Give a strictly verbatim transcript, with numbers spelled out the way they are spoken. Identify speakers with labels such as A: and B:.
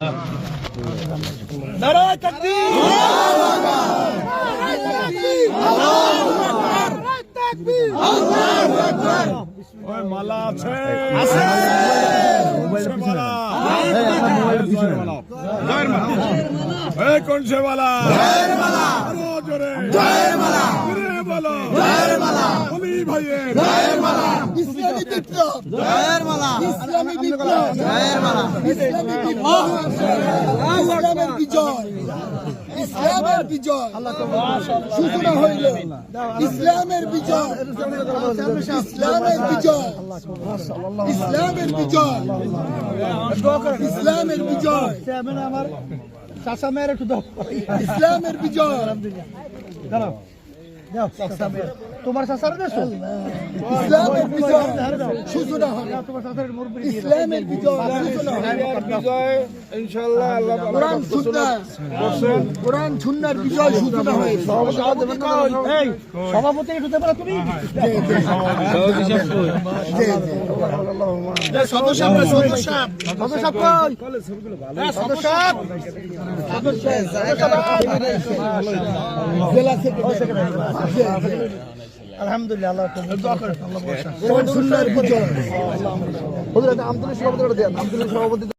A: নারায়ে তাকবীর, আল্লাহু আকবার। ওই মালা আছে আছে মোবাইল মালা, জয়ের মালা, জয়ের মালা, এই কোন সে মালা? জয়ের মালা, আরো জোরে জয়ের মালা, জোরে বলো জয়ের মালা, ওলি ভাইয়ের জয়ের মালা, ইসলামী বিপ্লব জয়ের মালা, ইসলামী বিপ্লব জয়ের মালা, ইসলামী বিপ্লব, ইসলামের বিজয়, ইসলামের বিজয় সূচনা হইল, ইসলামের বিজয়, ইসলামের বিজয়, ইসলামের বিজয়, ইসলামের বিজয়, আমার চাচা মেয়ের একটু দাও, ইসলামের বিজয়, তোমার চাচার দেশ, ইসলামের বিজয় সূচনা হবে, ইসলামের বিজয় বিজয় ইনশাআল্লাহ, আল্লাহ কোরআন সুন্নাহ, কোরআন সুন্নাহর বিজয় সূচনা হবে। এই সভাপতি একটু দেবে না তুমি? সদস্য সদস্য সদস্য কই? সদস্য সদস্য জেলা সেক্রেটারি, আলহামদুলিল্লাহ, আল্লাহ দোয়া করেন, আল্লাহ বর্ষা, কোরআন সুন্নাহর বিজয়। হুজুর আমতলী সভাপতি দেন, আমতলী সভাপতি।